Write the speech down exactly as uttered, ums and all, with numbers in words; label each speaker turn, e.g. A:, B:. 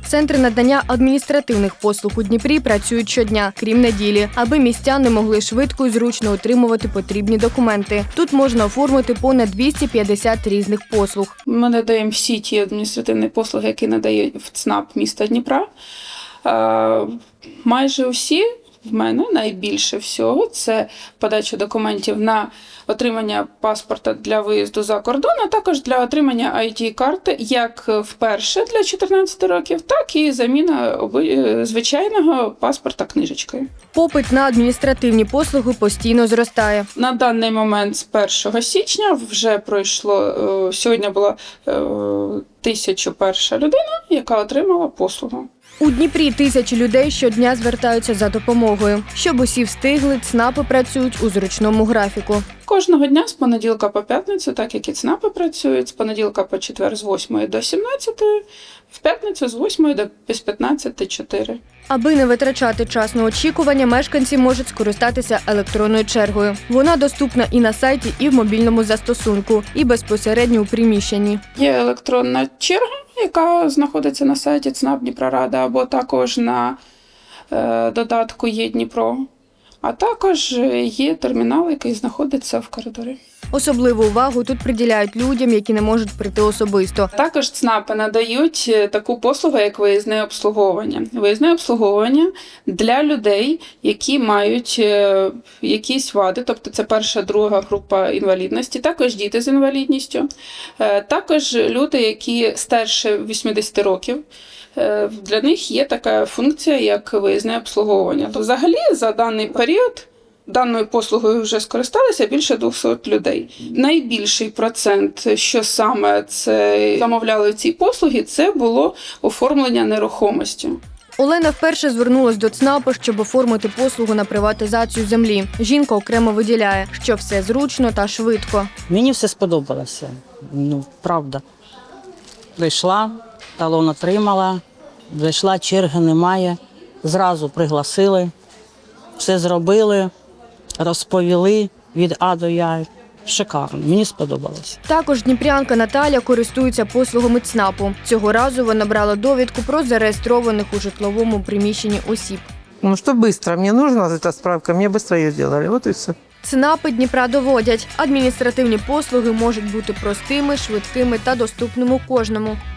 A: Центри надання адміністративних послуг у Дніпрі працюють щодня, крім неділі, аби містяни могли швидко і зручно отримувати потрібні документи. Тут можна оформити понад двісті п'ятдесят різних послуг.
B: Ми надаємо всі ті адміністративні послуги, які надає ЦНАП міста Дніпра. Майже усі в мене найбільше всього – це подача документів на отримання паспорта для виїзду за кордон, а також для отримання ай ді-карти як вперше для чотирнадцяти років, так і заміна звичайного паспорта книжечкою.
A: Попит на адміністративні послуги постійно зростає.
B: На даний момент з першого січня вже пройшло, сьогодні була тисяча перша людина, яка отримала послугу.
A: У Дніпрі тисячі людей щодня звертаються за допомогою. Щоб усі встигли, ЦНАПи працюють у зручному графіку.
B: Кожного дня з понеділка по п'ятницю, так як і ЦНАПи працюють, з понеділка по четвер з восьмої до сімнадцятої, в п'ятницю з восьмої до п'ятнадцяти чотири.
A: Аби не витрачати час на очікування, мешканці можуть скористатися електронною чергою. Вона доступна і на сайті, і в мобільному застосунку, і безпосередньо у приміщенні.
B: Є електронна черга, яка знаходиться на сайті ЦНАП Дніпрорада, або також на е, додатку «Є Дніпро». А також є термінал, який знаходиться в коридорі.
A: Особливу увагу тут приділяють людям, які не можуть прийти особисто.
B: Також ЦНАПи надають таку послугу, як виїзне обслуговування. Виїзне обслуговування для людей, які мають якісь вади, тобто це перша, друга група інвалідності, також діти з інвалідністю, також люди, які старше вісімдесят років. Для них є така функція, як виїзне обслуговування. То взагалі за даний період даною послугою вже скористалися більше двохсот людей. Найбільший процент, що саме це замовляли ці послуги, це було оформлення нерухомості.
A: Олена вперше звернулась до ЦНАПу, щоб оформити послугу на приватизацію землі. Жінка окремо виділяє, що все зручно та швидко.
C: Мені все сподобалося, ну, правда. Прийшла, талон отримала, зайшла, черги немає, зразу пригласили, все зробили, розповіли від А до Я. Шикарно, мені сподобалося.
A: Також дніпрянка Наталя користується послугами ЦНАПу. Цього разу вона брала довідку про зареєстрованих у житловому приміщенні осіб.
D: Ну, що швидко, мені потрібна ця справка, мені швидко її зробили, от і все.
A: ЦНАПи Дніпра доводять, адміністративні послуги можуть бути простими, швидкими та доступними кожному.